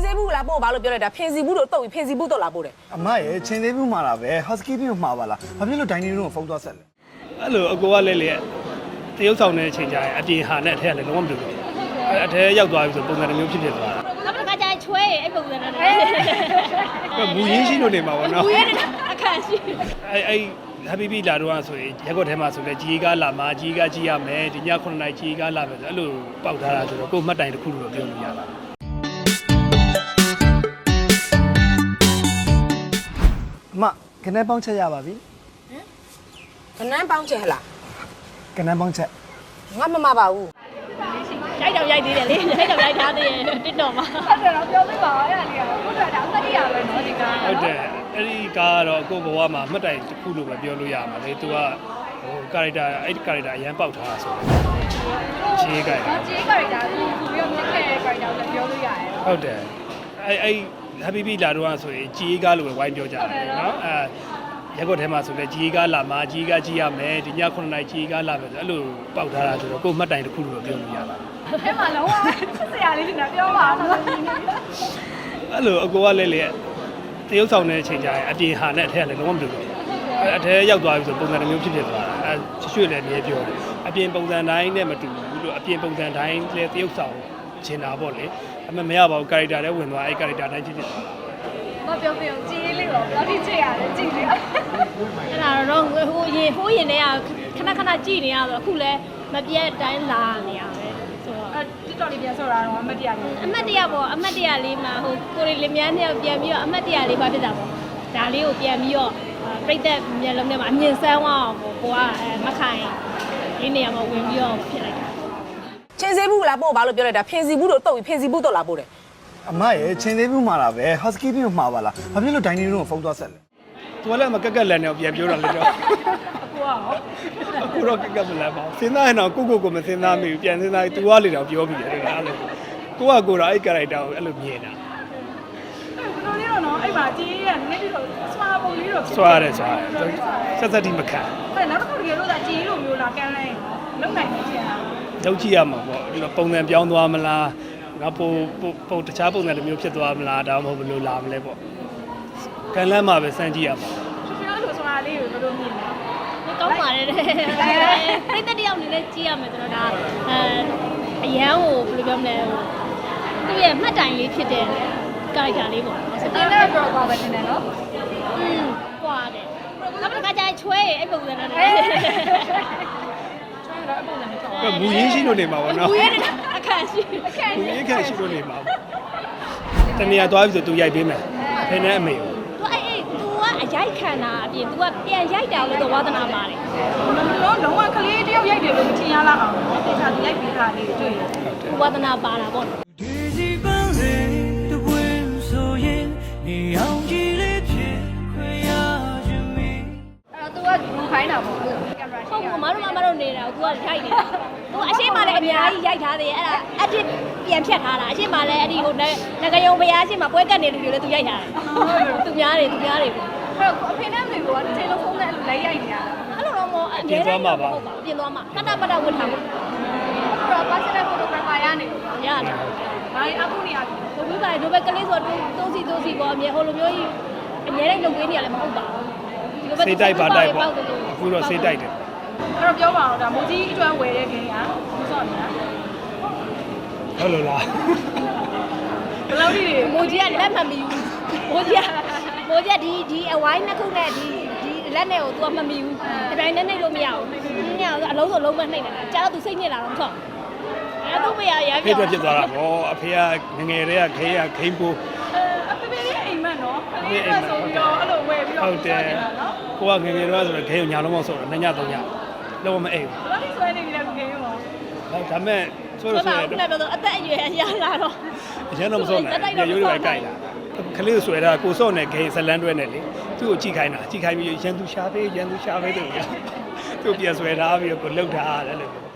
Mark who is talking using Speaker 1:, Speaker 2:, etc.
Speaker 1: သေးဘူးလားပို့ဘာလို့ပြောလိုက်တာဖင်စီဘူးတို့တုတ်ပြီးဖင်စီဘူးတော့လာပို့တယ်
Speaker 2: အမရဲ့ချင်းသေးဘူးမှာလားပဲ housekeeping ကိုမှာပါလားဘာဖြစ်လို့ dining room ကိုဖုန်းသွားဆက်လဲ
Speaker 3: အဲ့လိုအကိုကလည်းလေတရုပ်ဆောင်တဲ့အချိန်ကြာရင်အပြင်ဟာနဲ့အထက်ကလည်းလုံးဝမတူဘူးအထက်ရောက်သွားပြီဆိုပုံစံတစ်မျိုးဖြစ်သွားတာ
Speaker 4: နောက်တစ်ခါကျရင်ချွဲအဲ့ပုံစံနဲ့
Speaker 3: မူရင်းရှိလို့နေမှာပေါ့နော်
Speaker 4: မူရင်းအခါရှိ
Speaker 3: အဲ့ happy လာတော့ဆိုရင်ရက်ကွက်ထဲမှာဆိုလည်းကြီးကားလာမှာကြီးကားကြီးရမယ်ဒီည9နာရီကြီးကားလာမယ်ဆိုအဲ့လိုပေါက်ထားတာဆိုတော့ကိုယ်မှတ်တိုင်တစ်ခုလို့ပြောလို့ရပါတယ်
Speaker 2: အမကနေပေါင်းချက်ရပါပြီ
Speaker 1: ခဏန်းပေါင်းချက်ဟလား
Speaker 2: ကနေပေါင်းချက်
Speaker 1: ငါမမပါဘူး
Speaker 4: ရိုက်တော့ရိုက်သေးတယ်လေရိုက်တော့ရိုက်ထားသေးတယ်တစ်တော့မှာ
Speaker 5: ဟုတ်တယ်တော့ပြောပြပါအဲ့ဒါလေးကဘုရားတောင်တတိယပဲเนาะဒီကား
Speaker 3: ဟုတ်တယ်အဲ့ဒီကားကတော့ကိုယ့်ဘဝမှာမှတ်တိုင်တစ်ခုလို့ပဲပြောလို့ရမှာလေသူကဟို character အဲ့ဒီ character အရန်ပေါက်ထားတာဆိုတော့ခြေကြိုက်
Speaker 5: ခြေ character ကိုပြီးတော့မြင့်ခဲ့တဲ့ character ကိုလည်းပြောလို့ရတယ်
Speaker 3: ဟုတ်တယ်အဲ့ happy လာတော့ဆိုရင်ကြီးကားလို့ပဲဝိုင်းပြောကြတယ်เนาะရက်ကွက်ထဲမှာဆိုလည်းကြီးကားလာမှာကြီးကားကြီးရမယ်ဒီည9နာရီကြီးကားလာမယ်ဆိုအဲ့လိုပေါက်ထားတာဆိုတော့ကိုယ်မှတ်တိုင်တစ်ခုလို့ပြောလို့ရပါတယ်
Speaker 5: အဲ့မှာလုံးဝဆရာလေးကပြောပါတော့
Speaker 3: အဲ့လိုအကိုကလည်းလေတရုပ်ဆောင်တဲ့အချိန်ကြာရင်အပြင်ဟာနဲ့အထက်ကလည်းလုံးဝမတူဘူးအထက်ရောက်သွားပြီဆိုပုံစံတစ်မျိုးဖြစ်သွားတာအဲရွှေ့လည်းနေပြောတယ်အပြင်ပုံစံတိုင်းနဲ့မတူဘူးလို့အပြင်ပုံစံတိုင်းလည်းတရုပ်ဆောင်ချင်တာပေါ့လေအမမရပါဘူး character လည်းဝင်သွားအဲ့ character တိုင်းဖြစ်သွားတာ
Speaker 5: မပြောပြအောင်ကြီးလေးတော့ဘာဖြစ်ချင်ရလဲကြည့်လေ
Speaker 4: အဲ့ဒါတော့ဟိုရင်တည်းကခဏကြည့်နေရဆိုအခုလဲမပြတ်တိုင်းလာနေရပဲဆိုတော့
Speaker 5: TikTok လေးပြန်ဆော့တာတော့အမတ်တရားလေး
Speaker 4: အမတ်တရားပေါ့အမတ်တရားလေးမှာဟိုကိုရီလင်မြန်းနဲ့ပြန်ပြီးတော့အမတ်တရားလေးပါဖြစ်တာပေါ့ဒါလေးကိုပြန်ပြီးတော့ပြိတ္တမျက်လုံးထဲမှာအမြင်ဆန်းသွားအောင်ကိုကမခိုင်လေးနေရာမှာဝင်ပြီးတော့ဖြစ်လိုက်တာ
Speaker 1: ချင်းသေးဘူးလားပို့ဘာလို့ပြောလိုက်တာဖင်စီဘူးတို့တုတ်ပြီးဖင်စီဘူးတော့လာပို့တယ်
Speaker 2: အမရဲ့ချင်းသေးဘူးမှာလားပဲ housekeeping ကိုမှာပါလားဘာဖြစ်လို့ dining room ကိုဖုန်းသွားဆက်လဲ
Speaker 3: သူကလည်းမကက်ကက်လန်နဲ့ပြန်ပြောတာလေတော့အခုတော့ကက်ကက်မလန်ပါစဉ်းစားရင်တော့ကိုမစဉ်းစားမိဘူးပြန်စဉ်းစားရင် तू ကလေတော့ပြောပြီးတယ်အဲ့လိုကိုကအဲ့ character ကိုအဲ့လိုမြင်တာ
Speaker 5: ဘယ်လိုလဲတော့နော်အဲ့မှာကြီးရနည်းပြီးတော့စွာပုံလေးတော့
Speaker 3: စွာတယ်ဆက်တိမခံ
Speaker 5: အဲ့နောက်တစ်ခုတကယ်လို့သာကြီးလိုမျိုးလားကန်လိုက်လုံနိုင်နေချင်တာ
Speaker 3: လောက်ကြည့်ရမှာပေါ့ဒီလိုပုံစံပြောင်းသွားမလားငါပုံတခြားပုံစံတစ်မျိုးဖြစ်သွားမလားဒါမှမဟုတ်ဘယ်လိုလာမလဲပေါ့ကန်လန်းမှာပဲစမ်းကြည့်ရမှာ
Speaker 5: ပြောလို့စွာလေးကိုဘယ်လိုမြင်လဲ
Speaker 4: ကောင်းပါတယ်တဲ့ပြိတ္တတယောက်အနေနဲ့ကြည့်ရမယ်ဆိုတော့ဒါအရန်ကိုဘယ်လိုပြောမလဲသူ့ရဲ့မှတ်တိုင်လေးဖြစ်တဲ့ character လေးပေါ့
Speaker 5: ဆိုတော့လည်း program ပဲတင်တယ်နော်
Speaker 4: ပွားတယ်နောက်တစ်ခါကျရင်ချွဲအဲ့ပုံစံနဲ့
Speaker 3: မူရင်းရှိလို့နေမှာပေါ့နော်
Speaker 4: မူရင်းအခါရှိ
Speaker 3: မူရင်းအခါရှိလို့နေမှာတနေရာသွားပြီဆိုသူရိုက်ပေးမယ်ဖင်နဲ့အမေကို
Speaker 4: သူကအရိုက်ခံတာအပြင် तू ကပြန်ရိုက်တာလို့တော့ဝါသနာပါတယ်
Speaker 5: လုံးဝကလေးတယောက်ရိုက်တယ်လို့မထင်ရလောက်အောင်တေချာသူရိုက်ပေးတာလေးတွေ့ရတယ်
Speaker 4: ဝါသနာပါတာပေါ့အဲ့
Speaker 5: တော့ तू ကဘူးခိုင်းတာပေါ့အဲ့လိုကင်မရာ
Speaker 4: ဟုတ်ဘူးမတို့နေတာ तू ကရိုက်နေတာ तू အရှိမလည်းအများကြီးရိုက်ထားသေးတယ်အဲ့ဒါအတစ်ပြန်ဖြတ်ထားတာအရှိမလည်းအဲ့ဒီဟိုငကယုံဘုရားအရှိမပွဲကတ်နေလူတွေလည်း तू ရိုက်ထားတယ်သူများတွေပေါ့
Speaker 5: အဲ့တော့အဖေနဲ့မေကတယ်လီဖုန်းနဲ့အဲ့လိုလိုက်ရိုက်နေတာ
Speaker 4: အဲ့လိုတော့မဟုတ်အမြဲတမ်းမဟုတ်ပါပြင်သွားမှာပတဝတ်ထားမှာ
Speaker 5: အဲ့တော့ personal photographer ရနေ
Speaker 4: ရတယ်
Speaker 5: ဘာလဲအခုနေရပြီ
Speaker 4: ဘုရားပါတို့ပဲကလေးဆိုတော့တုံးစီပေါ့အမြဲဟိုလိုမျိုးကြီးအမြဲတမ်းလုပ်ပေးနေရလည်းမဟုတ်ပါဘူး
Speaker 3: စိတ်တိုက်ပါတိုက်ပေါ့အခုတော့စိတ်တိုက်တယ်
Speaker 5: အဲ့တော့ပြောပါအောင်ဒါမိုးကြီးအတွန်းဝယ်တဲ့ခင်ကဘူးစော့နေတာ
Speaker 3: ဟုတ်လို့လား
Speaker 5: ဘယ်လိုဒီ
Speaker 4: မိုးကြီးကလက်မမီဘူးမိုးကြီးဒီအဝိုင်းနှစ်ခုနဲ့ဒီလက်နဲ့ကို तू မမီဘူးဒီပိုင်းနဲ့နှိပ်လို့မရဘူးညအလုံးစုံလုံးမနှိပ်နိုင်တာကြာတော့ तू စိတ်ညစ်လာတော့မဟုတ်အဲ့တော့မရရ
Speaker 3: ဖေးဖြစ်သွားတာဗောအဖေကငယ်တည်းကခိန်းပိုး
Speaker 5: အဖေလေးအိမ်မက်နော်ကလေးကဆိုပြီးတော့အဲ့လိုဝယ်ပြီးတော့
Speaker 3: ဟုတ်တယ်ကိုကငယ်တော့ဆိုတော့ခိန်းကိုညာလုံးမဆော့တော့2ည3ညလုံးမအိမ်
Speaker 5: ဘူးဘာလို့ဆွဲနေပြီလဲခိန်းရော
Speaker 3: ဟုတ်ဒါမဲ့ဆိုတော့
Speaker 4: ခုနပြောတော့အသက်အရွယ်ရလာတော့
Speaker 3: အရင်တော့မဆော့နဲ့ရိုးရိုးပဲကြိုက်လာကလေးဆွဲတာကိုစော့နဲ့ခိန်းဇလန်းတွဲနဲ့လေသူ့ကိုကြည့်ခိုင်းပြီးရန်သူရှာပေးသူပြန်ဆွဲထားပြီးတော့ကိုလှုပ်ထားတယ်လို့